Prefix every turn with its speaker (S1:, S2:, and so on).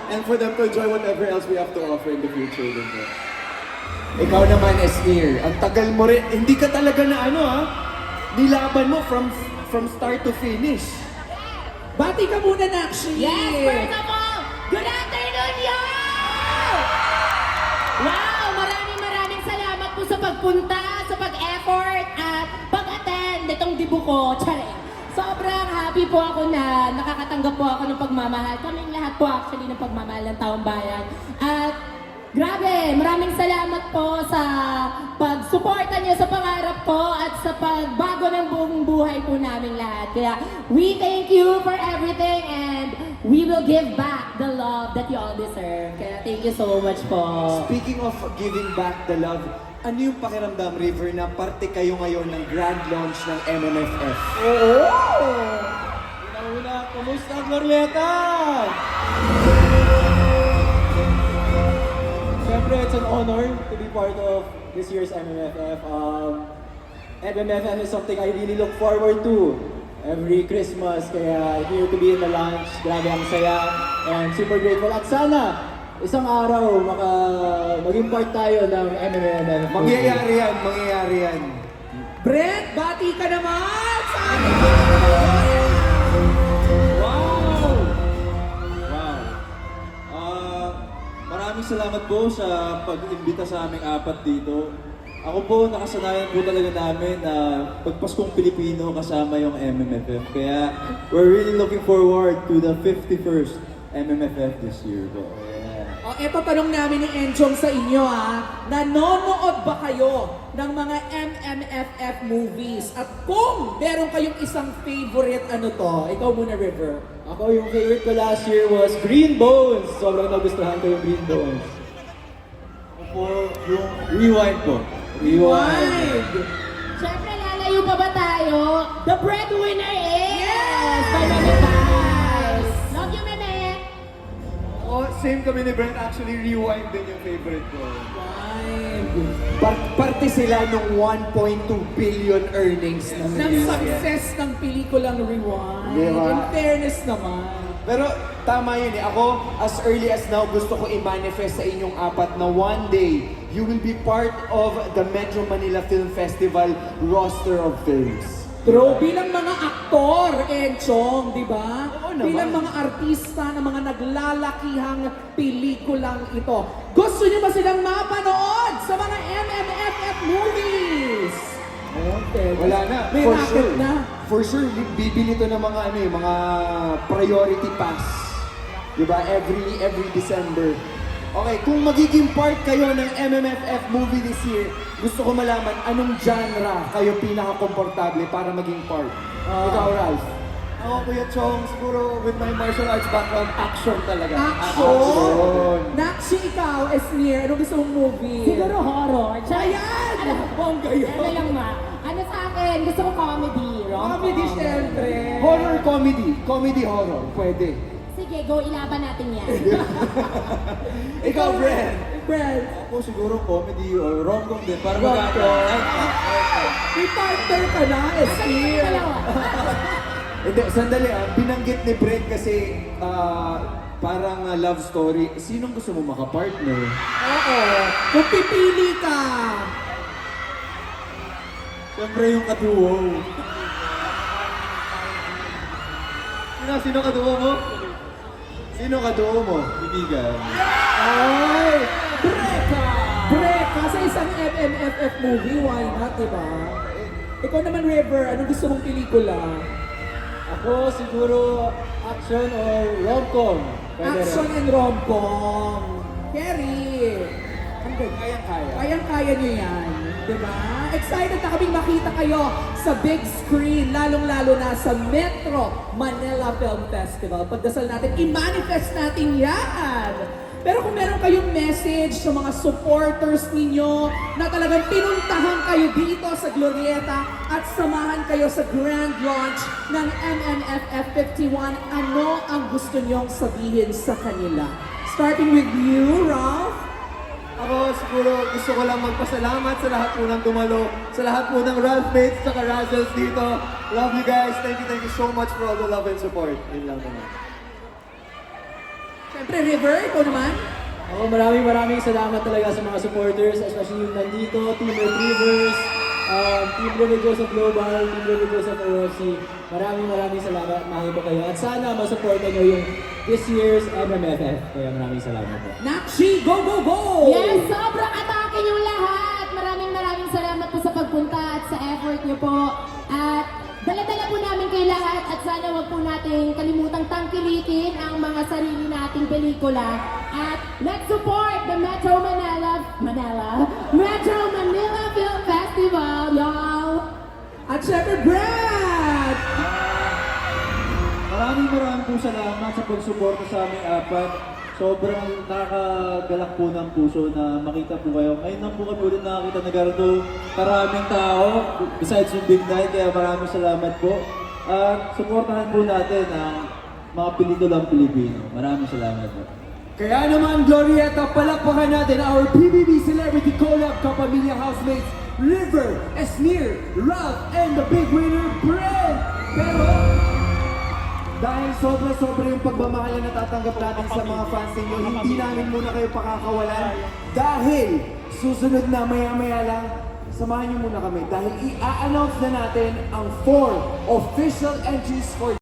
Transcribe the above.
S1: and for them to enjoy whatever else we have to offer in the future din po.
S2: Ikaw naman, Esnir, ang tagal mo rin, hindi ka talaga na ano ha, nilaban mo from start to finish.
S3: Bati ka muna, Nakshi!
S4: Yes, first of all, good afternoon, yo! Wow, maraming salamat po sa pagpunta, sa pag-effort, at pag-attend itong dibu ko. Tsare. Sobrang happy po ako na nakakatanggap po ako ng pagmamahal. Kaming lahat po actually ng pagmamahal ng taong bayan. At grabe, maraming salamat po sa pagsuporta niyo sa pangarap ko at sa pagbago ng buong buhay po namin lahat. Kaya we thank you for everything and we will give back the love that you all deserve. Kaya thank you so much po.
S2: Speaking of giving back the love, ano yung pakiramdam, River, na parte kayo ngayon ng grand launch ng MMFF?
S1: Oo! Una-una, kumusta, Glorieta? Siyempre, it's an honor to be part of this year's MMFF. MMFF is something I really look forward to every Christmas. Kaya here to be in the launch, grabe ang saya and super grateful. At sana, isang araw, maging part tayo ng MMFF.
S2: Mangyayari yan.
S3: Brent, bati ka naman sa ating
S1: Wow! Maraming salamat po sa pag-imbita sa aming apat dito. Ako po, nakasanayan po talaga namin na pagpaskong Pilipino kasama yung MMFF. Kaya we're really looking forward to the 51st MMFF this year po.
S3: O, eto tanong namin ni Enchong sa inyo nanonood ba kayo ng mga MMFF movies? At kung meron kayong isang favorite, ano to? Ikaw muna, River.
S1: Ako, yung favorite ko last year was Green Bones. Sobrang nagustuhan ko yung Green Bones. Ako po, yung Rewind po.
S3: Rewind!
S4: Siyempre, lalayo pa ba tayo? The breadwinner is by Meme Vibes. Love you, Meme!
S1: Oh, same kami ni Brent. Actually, Rewind din yung favorite ko.
S2: Parte sila ng 1.2 billion earnings ng
S3: Ng success ng pelikulang Rewind.
S2: Diba?
S3: In fairness naman.
S2: Pero tama yun eh. Ako, as early as now, gusto ko i-manifest sa inyong apat na one day, you will be part of the Metro Manila Film Festival roster of films.
S3: True, bilang mga aktor, Enchong, di ba?
S2: Oo naman.
S3: Bilang mga artista ng mga naglalakihang pelikulang ito. Gusto niyo ba silang mapanood sa mga MMFF movies? Okay.
S2: Wala na.
S3: May
S2: For
S3: racket
S2: sure.
S3: na.
S2: For sure, bibili to ng mga mga priority pass. 'Di ba? Every December. Okay, kung magiging part kayo ng MMFF movie this year, gusto ko malaman anong genre kayo pinaka-komportable para maging part. Ikaw, Ralph.
S1: Ako, Kuya Chong, siguro with my martial arts background, action talaga.
S3: Action! Nakshi, ikaw, Esnir, anong gusto mong movie?
S4: Siguro horror.
S3: Ayan!
S4: Alam
S3: Bongga yun.
S4: Ano lang ma? Ano sa akin? Gusto ko comedy.
S3: Comedy, syempre.
S2: Horror comedy. Comedy horror. Pwede.
S4: Sige, go, ilaban natin yan.
S1: Ikaw, Brent.
S3: Brent,
S1: Ako siguro comedy or rom-com din. Para
S3: Rom-com.
S1: mag-action.
S3: may partner ka na, Esnir.
S4: Dalawa.
S2: Hindi, sandali binanggit ni Brent kasi parang love story. Sinong gusto mo makapartner?
S3: Oo. Kung pipili ka.
S1: Siyempre yung kaduo. Sino kaduo mo?
S2: Sino kaduo mo?
S1: Ibigan.
S3: Ay! Breka! Sa isang MMFF movie, why not, diba? Ikaw naman, River, anong gusto mong pelikula?
S1: Ako siguro action or rom-com. Pwede
S3: Action
S1: rin.
S3: and rom-com. Kerry! Ang ganda.
S2: Kayang-kaya.
S3: Kayang-kaya niyo yan. Diba? Excited na kaming makita kayo sa big screen, lalong-lalo na sa Metro Manila Film Festival. Pagdasal natin, i-manifest natin yan! Pero kung meron kayong message sa mga supporters ninyo na talagang pinuntahan kayo dito sa Glorieta at samahan kayo sa grand launch ng MMFF 51, ano ang gusto niyong sabihin sa kanila? Starting with you, Ralph.
S1: Ako siguro gusto ko lang magpasalamat sa lahat po ng dumalo, sa lahat po ng Ralph mates, saka Razzles dito. Love you guys. Thank you so much for all the love and support. Yun lang naman.
S3: Siyempre, River, ikaw naman.
S1: Ako, maraming salamat talaga sa mga supporters, especially yung nandito, Team Retrievers, Team River Joseph Global, Team River Joseph OFC. Maraming salamat, mahal ko kayo. At sana masuportan nyo yung this year's MMFF. Kaya maraming salamat po.
S3: Nakshi, go, go, go!
S4: Yes, sobrang atake yung lahat. Maraming salamat po sa pagpunta at sa effort niyo po. At dala-dala po namin kayo lahat at sana wag po natin kalimutang tangkilikin ang mga sarili nating pelikula. At let's support the Metro Manila Film Festival, y'all!
S3: At syempre, Brad!
S5: Maraming po salamat sa pagsuporta sa aming apat. Sobrang nakakagalak po ng puso na makita po kayo. Ngayon lang po kami ulit nakakita na ganito karaming tao besides yung big night. Kaya maraming salamat po. At suportahan po natin ang mga pelikulang Pilipino. Maraming salamat po.
S2: Kaya naman, Glorieta, palakpakan natin our PBB Celebrity Collab Kapamilya Housemates, River, Esnir, Ralph, and the big winner, Brent! Pero, dahil sobra-sobra yung pagmamahal na natatanggap natin sa mga fans ninyo, hindi namin muna kayo pakakawalan. Dahil, susunod na maya-maya lang, samahan niyo muna kami. Dahil i-announce na natin ang 4 official entries for